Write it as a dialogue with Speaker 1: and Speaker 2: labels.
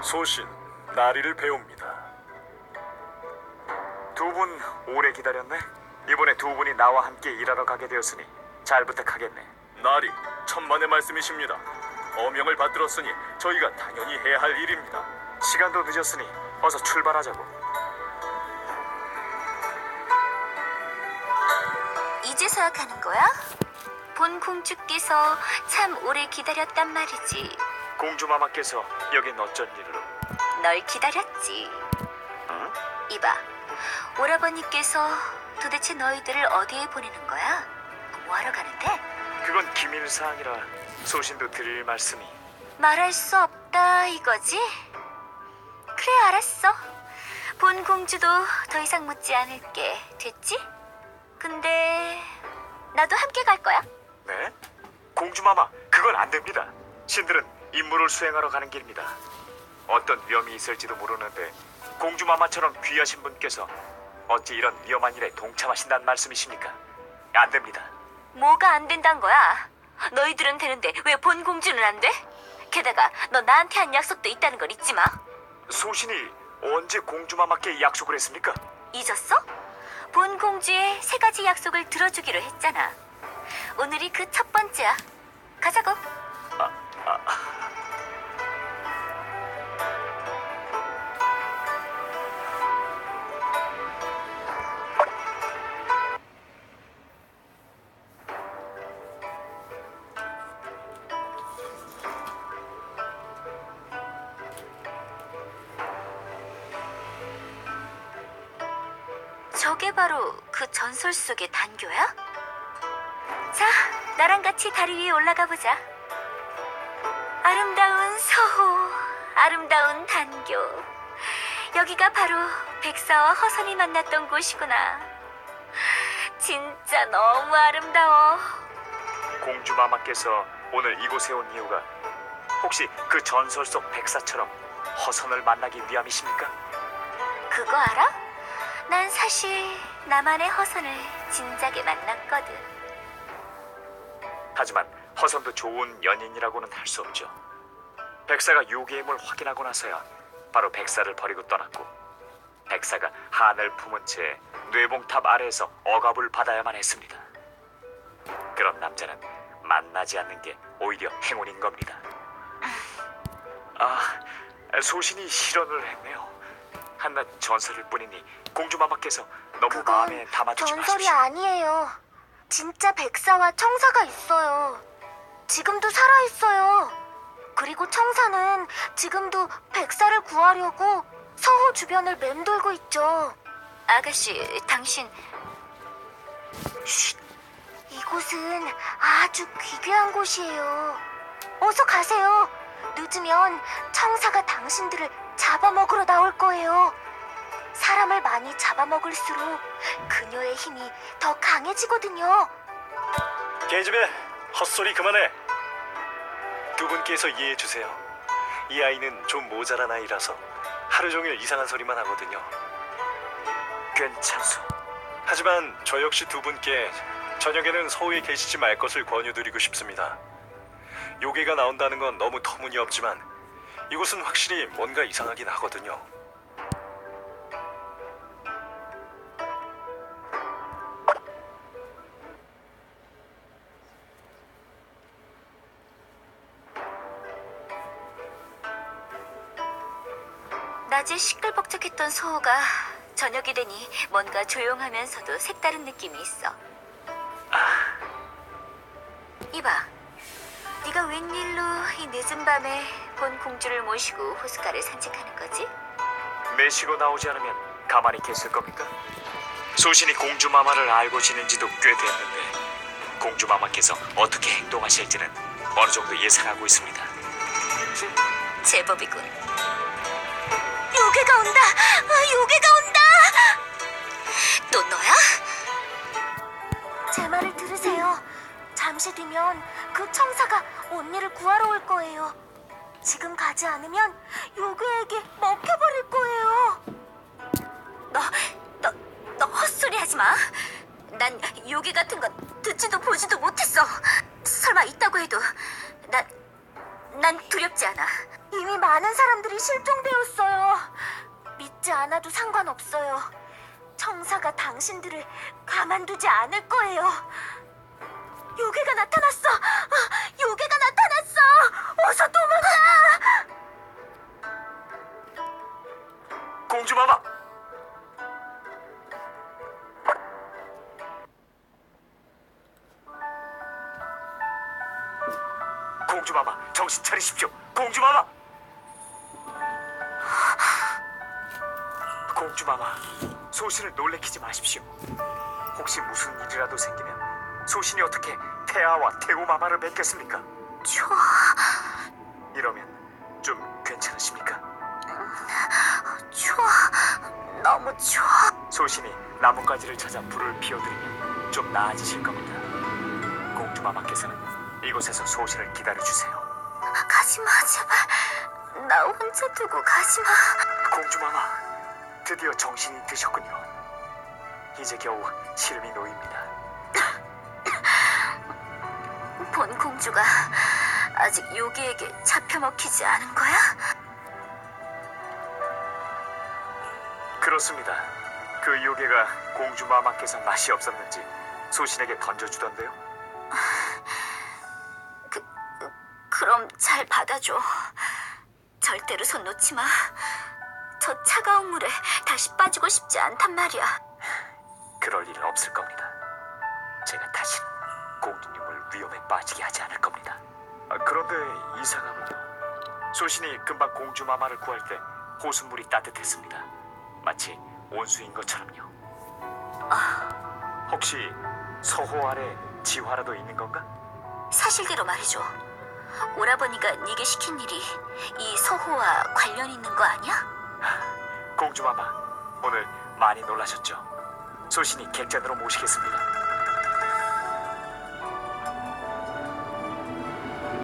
Speaker 1: 소신, 나리를 배웁니다.
Speaker 2: 두 분 오래 기다렸네. 이번에 두 분이 나와 함께 일하러 가게 되었으니 잘 부탁하겠네.
Speaker 1: 나리, 천만의 말씀이십니다. 어명을 받들었으니 저희가 당연히 해야 할 일입니다.
Speaker 2: 시간도 늦었으니 어서 출발하자고.
Speaker 3: 이제서야 가는 거야? 본 공주께서 참 오래 기다렸단 말이지.
Speaker 2: 공주마마께서 여긴 어쩐 일로?
Speaker 3: 널 기다렸지.
Speaker 2: 응?
Speaker 3: 이봐, 오라버니께서 도대체 너희들을 어디에 보내는 거야? 뭐하러 가는데?
Speaker 2: 그건 기밀사항이라 소신도 드릴 말씀이.
Speaker 3: 말할 수 없다 이거지? 그래, 알았어. 본 공주도 더 이상 묻지 않을게. 됐지? 근데 나도 함께 갈 거야.
Speaker 2: 네? 공주마마, 그건 안 됩니다. 신들은 임무를 수행하러 가는 길입니다. 어떤 위험이 있을지도 모르는데 공주마마처럼 귀하신 분께서 어찌 이런 위험한 일에 동참하신다는 말씀이십니까? 안 됩니다.
Speaker 3: 뭐가 안 된단 거야? 너희들은 되는데 왜 본 공주는 안 돼? 게다가 너 나한테 한 약속도 있다는 걸 잊지 마.
Speaker 2: 소신이 언제 공주마마께 약속을 했습니까?
Speaker 3: 잊었어? 본 공주의 3가지 약속을 들어주기로 했잖아. 오늘이 그 첫 번째야. 가자고. 저게 바로 그 전설 속의 단교야? 자, 나랑 같이 다리 위에 올라가 보자. 아름다운 서호, 아름다운 단교. 여기가 바로 백사와 허선이 만났던 곳이구나. 진짜 너무 아름다워.
Speaker 2: 공주마마께서 오늘 이곳에 온 이유가 혹시 그 전설 속 백사처럼 허선을 만나기 위함이십니까?
Speaker 3: 그거 알아? 난 사실 나만의 허선을 진작에 만났거든.
Speaker 2: 하지만 허선도 좋은 연인이라고는 할 수 없죠. 백사가 요괴의 힘을 확인하고 나서야 바로 백사를 버리고 떠났고, 백사가 한을 품은 채 뇌봉탑 아래에서 억압을 받아야만 했습니다. 그런 남자는 만나지 않는 게 오히려 행운인 겁니다. 소신이 실언을 했네요. 한낱 전설일 뿐이니 공주마마께서 너무 마음에 담아두지
Speaker 4: 전설이
Speaker 2: 마십시오.
Speaker 4: 아니에요. 진짜 백사와 청사가 있어요. 지금도 살아있어요. 그리고 청사는 지금도 백사를 구하려고 서호 주변을 맴돌고 있죠.
Speaker 3: 아가씨, 당신
Speaker 4: 쉿! 이곳은 아주 귀귀한 곳이에요. 어서 가세요. 늦으면 청사가 당신들을 잡아먹으러 나올 거예요. 사람을 많이 잡아먹을수록 그녀의 힘이 더 강해지거든요.
Speaker 5: 계집애, 헛소리 그만해. 두 분께서 이해해 주세요. 이 아이는 좀 모자란 아이라서 하루 종일 이상한 소리만 하거든요.
Speaker 2: 괜찮소.
Speaker 5: 하지만 저 역시 두 분께 저녁에는 서우에 계시지 말 것을 권유드리고 싶습니다. 요괴가 나온다는 건 너무 터무니없지만 이곳은 확실히 뭔가 이상하긴 하거든요.
Speaker 3: 낮에 시끌벅적했던 소호가 저녁이 되니 뭔가 조용하면서도 색다른 느낌이 있어. 이봐, 네가 웬일로 이 늦은 밤에 본 공주를 모시고 호숫가를 산책하는 거지?
Speaker 2: 매시고 나오지 않으면 가만히 계실 겁니까? 소신이 공주마마를 알고 지낸 지도 꽤 됐는데 공주마마께서 어떻게 행동하실지는 어느 정도 예상하고 있습니다.
Speaker 3: 제법이군. 요괴가 온다! 요괴가 온다! 또 너야?
Speaker 4: 제 말을 들으세요. 잠시 뒤면 그 청사가 언니를 구하러 올 거예요. 지금 가지 않으면 요괴에게 먹혀버릴 거예요.
Speaker 3: 너 헛소리 하지 마. 난 요괴 같은 건 듣지도 보지도 못했어. 설마 있다고 해도 난 두렵지 않아.
Speaker 4: 이미 많은 사람들이 실종되었어요. 믿지 않아도 상관없어요. 청사가 당신들을 가만두지 않을 거예요. 요괴가 나타났어! 요괴가 나타났어! 어서 도망가!
Speaker 2: 공주마마! 공주마마, 정신 차리십시오. 공주마마! 공주마마, 소신을 놀래키지 마십시오. 혹시 무슨 일이라도 생기면 소신이 어떻게 태아와 태우마마를 뵙겠습니까?
Speaker 3: 좋아.
Speaker 2: 이러면 좀 괜찮으십니까?
Speaker 3: 좋아. 너무 좋아.
Speaker 2: 소신이 나뭇가지를 찾아 불을 피워드리면 좀 나아지실 겁니다. 공주마마께서는 이곳에서 소신을 기다려주세요.
Speaker 3: 가지마, 제발. 나 혼자 두고 가지마.
Speaker 2: 공주마마, 드디어 정신이 드셨군요. 이제 겨우 시름이 놓입니다.
Speaker 3: 본 공주가 아직 요괴에게 잡혀먹히지 않은 거야?
Speaker 2: 그렇습니다. 그 요괴가 공주마마께서 맛이 없었는지 소신에게 던져주던데요.
Speaker 3: 그럼 잘 받아줘. 절대로 손 놓지 마. 저 차가운 물에 다시 빠지고 싶지 않단 말이야.
Speaker 2: 그럴 일은 없을 겁니다. 제가 다신 공주님을 위험에 빠지게 하지 않을 겁니다. 그런데 이상하군요. 소신이 금방 공주마마를 구할 때 호수물이 따뜻했습니다. 마치 온수인 것처럼요. 혹시 서호 아래 지화라도 있는 건가?
Speaker 3: 사실대로 말해줘. 오라버니가 네게 시킨 일이 이 서호와 관련 있는 거 아니야?
Speaker 2: 공주마마, 오늘 많이 놀라셨죠? 소신이 객잔으로 모시겠습니다.